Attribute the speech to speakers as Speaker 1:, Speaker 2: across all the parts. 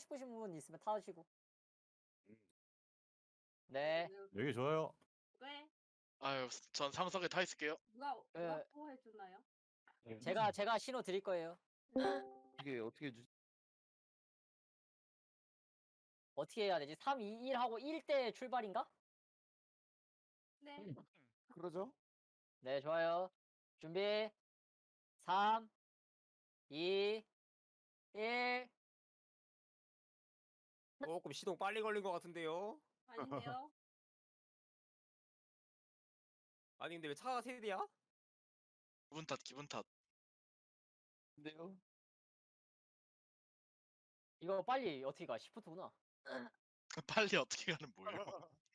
Speaker 1: 싶으신 분 있으면 타시고. 네.
Speaker 2: 여기 좋아요.
Speaker 3: 왜?
Speaker 4: 아유, 전 상석에 타 있을게요.
Speaker 3: 누가
Speaker 1: 그-
Speaker 3: 와포 해주나요?
Speaker 1: 제가 신호 드릴 거예요.
Speaker 5: 어떻게 해주지?
Speaker 1: 어떻게 해야 되지? 3, 2, 1 하고 1대 출발인가?
Speaker 3: 네.
Speaker 5: 그러죠?
Speaker 1: 네, 좋아요. 준비. 3, 2, 1.
Speaker 6: 조금 시동 빨리 걸린 것 같은데요?
Speaker 3: 아닌데요?
Speaker 6: 아니 근데 왜 차가 세 대야?
Speaker 4: 기분 탓, 기분 탓.
Speaker 5: 근데요?
Speaker 1: 이거 빨리 어떻게 가? 시프트구나.
Speaker 4: 빨리 어떻게 가는 뭐예요?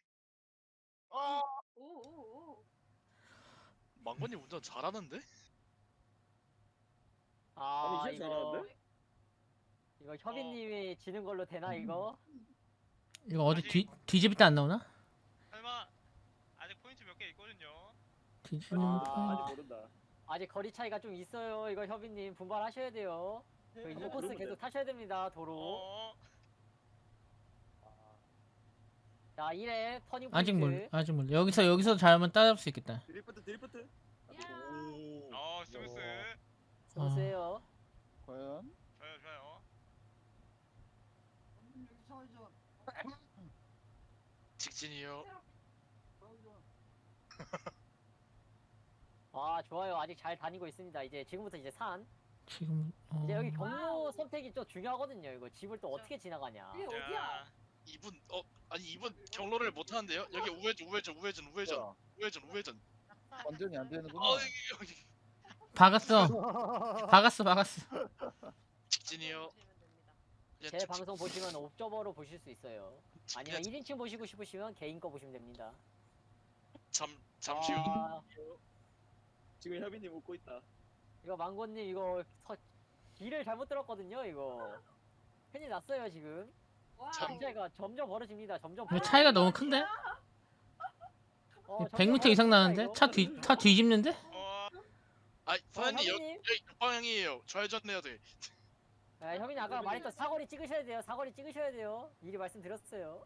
Speaker 3: 오오오.
Speaker 4: 망건님 운전 잘하는데?
Speaker 1: 아,
Speaker 5: 아니, 진짜 잘하는데?
Speaker 1: 이거 협인님이 지는 걸로 되나 이거?
Speaker 7: 이거 어디
Speaker 8: 아직-
Speaker 7: 뒤집을 때 안 나오나?
Speaker 8: 설마 아직 포인트 몇 개 있거든요.
Speaker 7: 뒤집는
Speaker 1: 아,
Speaker 7: 포인트.
Speaker 5: 아직 모른다.
Speaker 1: 아직 거리 차이가 좀 있어요. 이거 협인님 분발하셔야 돼요. 그 인코스 계속 타셔야 됩니다. 도로.
Speaker 8: 어,
Speaker 1: 자, 1회 터닝
Speaker 7: 아직
Speaker 1: 포인트.
Speaker 7: 아직 몰라. 여기서 잘하면 따라잡을 수 있겠다.
Speaker 5: 드리프트.
Speaker 3: 야.
Speaker 8: 스무스.
Speaker 1: 스무스해요.
Speaker 5: 과연?
Speaker 8: 좋아요, 좋아요.
Speaker 4: 직진이요.
Speaker 1: 아, 좋아요. 아직 잘 다니고 있습니다. 이제 지금부터 이제 산.
Speaker 7: 지금
Speaker 1: 이제 여기 경로 선택이 또 중요하거든요. 이거 집을 또 어떻게 지나가냐.
Speaker 3: 이게 어디야?
Speaker 8: 자,
Speaker 4: 이분 아니 이분 경로를 못 하는데요? 여기 우회전.
Speaker 5: 완전히 안 되는구나.
Speaker 4: 여기
Speaker 7: 박았어.
Speaker 4: 직진이요. 그냥
Speaker 1: 제
Speaker 4: 직진.
Speaker 1: 방송 보시면 옵저버로 보실 수 있어요. 아니면
Speaker 4: 그냥
Speaker 1: 1인칭 보시고 싶으시면 개인 거 보시면 됩니다.
Speaker 4: 잠시 후.
Speaker 1: 아,
Speaker 5: 지금 협인님 웃고 있다.
Speaker 1: 이거 망고님 이거 길을 잘못 들었거든요. 이거 큰일 났어요 지금.
Speaker 3: 와.
Speaker 1: 차이가 점점 벌어집니다. 점점.
Speaker 7: 이거 차이가 너무 큰데?
Speaker 1: 점점
Speaker 7: 100m 이상
Speaker 1: 벌어집니다,
Speaker 7: 나는데?
Speaker 1: 이거.
Speaker 7: 차 뒤집는데?
Speaker 4: 아이 사장님
Speaker 1: 협인님?
Speaker 4: 여기 방향이에요. 좌회전 해야 돼.
Speaker 1: 아, 협인이 아까 말했던 사거리 찍으셔야 돼요. 사거리 찍으셔야 돼요. 미리 말씀드렸어요.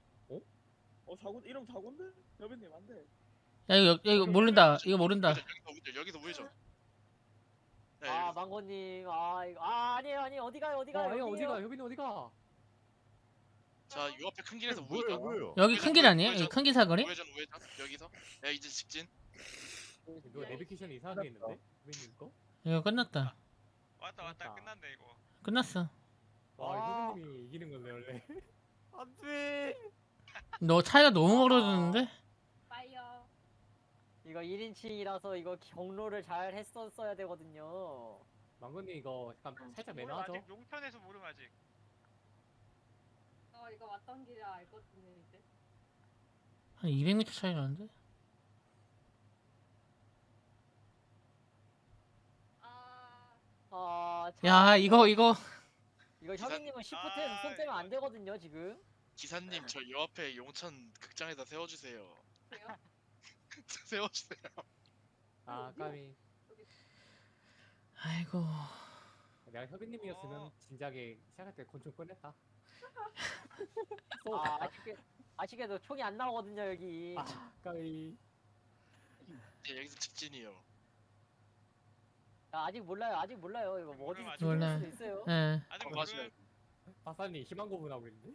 Speaker 5: 이러면 사고인데? 협인님 안 돼.
Speaker 7: 야 이거 모른다. 이거 모른다.
Speaker 4: 여기서 우회전. 네,
Speaker 1: 아,
Speaker 4: 여기서.
Speaker 1: 망고님. 아니에요. 어디 가요?
Speaker 6: 협빈이 어디가?
Speaker 4: 자, 요 앞에 큰 길에서
Speaker 2: 뭐예요,
Speaker 4: 우회전.
Speaker 2: 뭐예요?
Speaker 7: 여기 큰 길 아니에요? 여기 큰 길 사거리?
Speaker 4: 우회전. 여기서. 네, 이제 직진.
Speaker 6: 이거 내비게이션 이상하게 있는데? 협빈님 거?
Speaker 7: 이거 끝났다.
Speaker 8: 왔다 끝났네 이거.
Speaker 7: 끝났어.
Speaker 6: 와 협빈님이 이기는 건데 원래. 안돼.
Speaker 7: 너 차이가 너무 멀어졌는데?
Speaker 3: 파이어.
Speaker 1: 이거 1인칭이라서 이거 경로를 잘 했었어야 되거든요.
Speaker 6: 망건님 이거 약간 살짝
Speaker 8: 모름
Speaker 6: 매너하죠?
Speaker 8: 아직 용천에서 모름 아직.
Speaker 3: 이거 왔던 길을 알거든요 이제.
Speaker 7: 한 200m 차이 나는데?
Speaker 3: 아.
Speaker 7: 야 이거
Speaker 1: 이거 협인님은 시프트에서
Speaker 8: 아,
Speaker 1: 손 떼면 안
Speaker 8: 이거.
Speaker 1: 되거든요 지금.
Speaker 4: 기사님 저 요 앞에 용천 극장에다 세워주세요.
Speaker 3: 그래요?
Speaker 4: 세워주세요.
Speaker 6: 아 까미.
Speaker 7: 아이고.
Speaker 6: 내가 협빈님이었으면 진작에 시작할 때 권총 꺼냈다.
Speaker 1: 아쉽게도 총이 안 나오거든요 여기.
Speaker 6: 까미.
Speaker 4: 네, 여기서 직진이요.
Speaker 1: 아직 몰라요. 이거 뭐 어디서
Speaker 8: 몰라요.
Speaker 1: 죽을 수도 있어요.
Speaker 7: 예.
Speaker 8: 아직
Speaker 4: 맞아요.
Speaker 8: 모름.
Speaker 6: 박사님 희망 고문하고 있는데?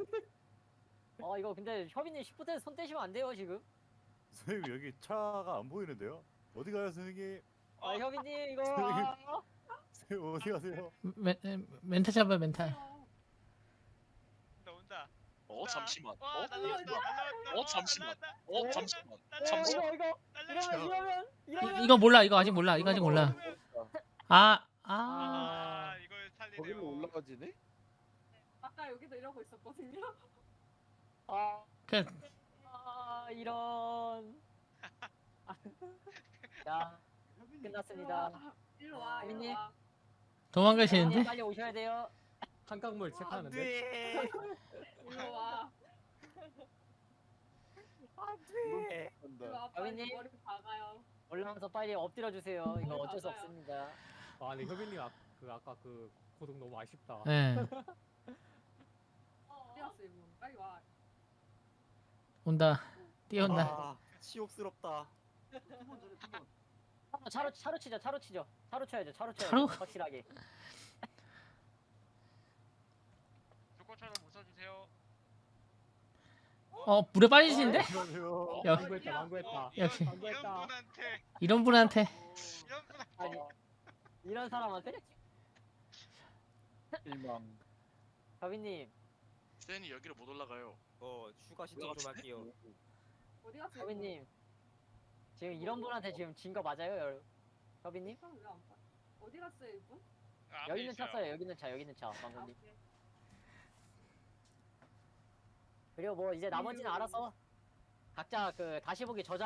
Speaker 1: 이거 근데 협인님 시프트에서 손 떼시면 안 돼요 지금.
Speaker 2: 선생님 여기 차가 안 보이는데요? 어디 가요, 선생님?
Speaker 1: 협인님 이거.
Speaker 2: 선생님 어디 가세요?
Speaker 7: 멘탈 잡아 멘탈.
Speaker 8: 온다.
Speaker 4: 잠시만.
Speaker 8: 와, 날라왔다.
Speaker 4: 잠시만. 잠시만.
Speaker 1: 이러면
Speaker 7: 이거 몰라. 이거 아직 몰라. 이거 아직 몰라. 아.
Speaker 8: 이걸 살리네요.
Speaker 5: 거기로 올라가지네?
Speaker 3: 아까 여기도 이러고 있었거든요.
Speaker 1: 이런. 자, 끝났습니다.
Speaker 3: 일로 와. 일로
Speaker 1: 협빈님?
Speaker 3: 와.
Speaker 7: 도망가시는데?
Speaker 1: 빨리 오셔야 돼요.
Speaker 6: 한강물 체크하는데?
Speaker 3: 일로 와. 일로 와. 빨리
Speaker 1: 협빈님?
Speaker 3: 머리 박아요.
Speaker 1: 올라와서 빨리 엎드려 주세요. 이거 어쩔 수 없습니다.
Speaker 6: 아 근데 협빈님 아까 그 고독 너무 아쉽다.
Speaker 7: 예. 온다. 뛰어온다.
Speaker 2: 아, 치욕스럽다.
Speaker 1: 차로 치죠. 차로 쳐야죠. 차로 쳐야죠.
Speaker 7: 차로?
Speaker 1: 확실하게.
Speaker 8: 조건처럼 웃어주세요.
Speaker 7: 물에 빠지시는데?
Speaker 2: 안녕하세요.
Speaker 7: 야.
Speaker 6: 망구했다 망구했다.
Speaker 7: 역시.
Speaker 8: 이런 분한테
Speaker 7: 이런 분한테
Speaker 8: 이런 분한테
Speaker 1: 아니 이런 사람한테?
Speaker 5: 일망.
Speaker 1: 가비님,
Speaker 4: 쌤이 여기를 못 올라가요.
Speaker 9: 추가 신청 좀 할게요.
Speaker 3: 어디 갔어?
Speaker 1: 가비님 지금 이런 분한테 지금 진 거 맞아요, 가비님?
Speaker 3: 왜안 봐? 어디 갔어요 이분?
Speaker 8: 앞에
Speaker 1: 여기 있는 차
Speaker 8: 있어요.
Speaker 1: 써요. 여기 있는 차,
Speaker 3: 아,
Speaker 1: 방금님.
Speaker 3: 오케이.
Speaker 1: 그리고 뭐 이제 나머지는 알아서 각자 그 다시 보기 저장.